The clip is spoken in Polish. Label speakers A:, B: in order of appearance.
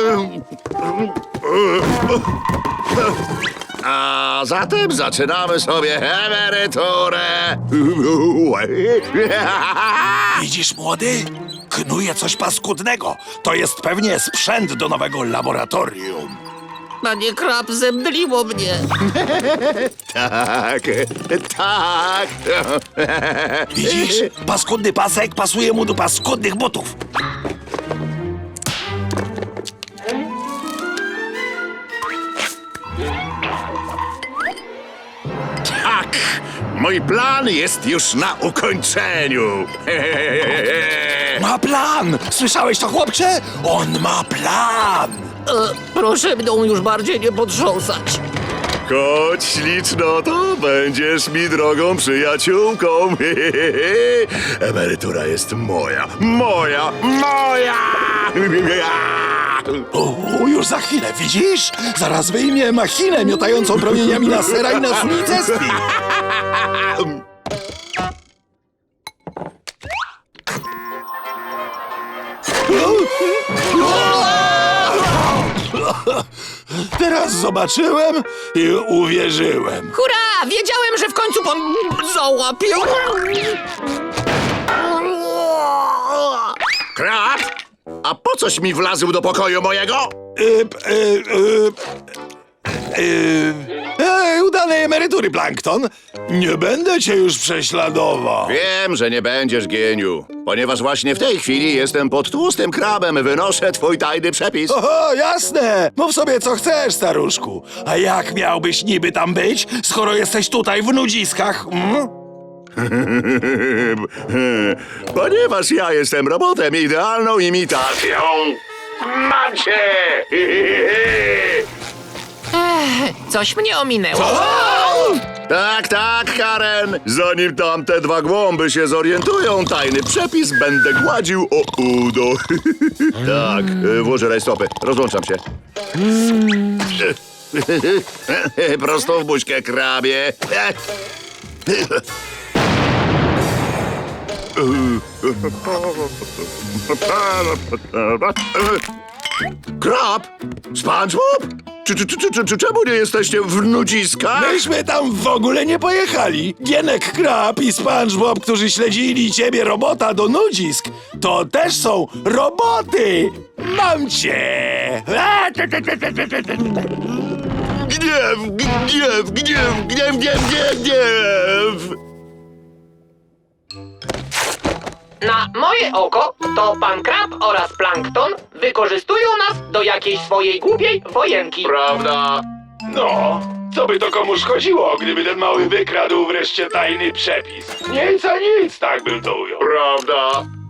A: A zatem zaczynamy sobie emeryturę.
B: Widzisz, młody? Knuje coś paskudnego. To jest pewnie sprzęt do nowego laboratorium.
C: Panie Krab, zemdliło mnie.
A: Tak, tak.
B: Widzisz? Paskudny pasek pasuje mu do paskudnych butów.
A: Tak, mój plan jest już na ukończeniu.
B: Ma plan! Słyszałeś to, chłopcze? On ma plan!
C: Proszę mną już bardziej nie potrząsać.
A: Chodź, ślicznoto, będziesz mi drogą przyjaciółką. Emerytura jest moja, moja, moja!
B: O, już za chwilę, widzisz? Zaraz wyjmie machinę miotającą promieniami lasera i nas unicestwi. Teraz zobaczyłem i uwierzyłem.
C: Hurra! Wiedziałem, że w końcu pan załapił.
A: Krab, a po coś mi wlazł do pokoju mojego?
B: Udanej emerytury, Plankton. Nie będę cię już prześladował.
A: Wiem, że nie będziesz geniu, ponieważ właśnie w tej chwili jestem pod tłustym krabem, wynoszę twój tajny przepis.
B: Oho, jasne! Mów sobie, co chcesz, staruszku. A jak miałbyś niby tam być, skoro jesteś tutaj w nudziskach?
A: Ponieważ ja jestem robotem, idealną imitacją. Mam cię!
C: Coś mnie ominęło.
A: Tak, tak, Karen. Zanim tamte dwa głąby się zorientują, tajny przepis będę gładził o udo. Tak, włożę rajstopy. Rozłączam się. Prosto w buźkę, krabie. Krab? SpongeBob? Czemu nie jesteście w nudziskach?
B: Myśmy tam w ogóle nie pojechali. Gienek Krab i SpongeBob, którzy śledzili ciebie, robota, do nudzisk, to też są roboty. Mam cię.
A: Gniew, gniew, gniew, gniew, gniew, gniew, gniew!
C: Na moje oko to pan Krab oraz Plankton wykorzystują nas do jakiejś swojej głupiej wojenki.
A: Prawda?
D: No, co by to komu szkodziło, gdyby ten mały wykradł wreszcie tajny przepis? Nic a nic, tak bym to ujął.
A: Prawda?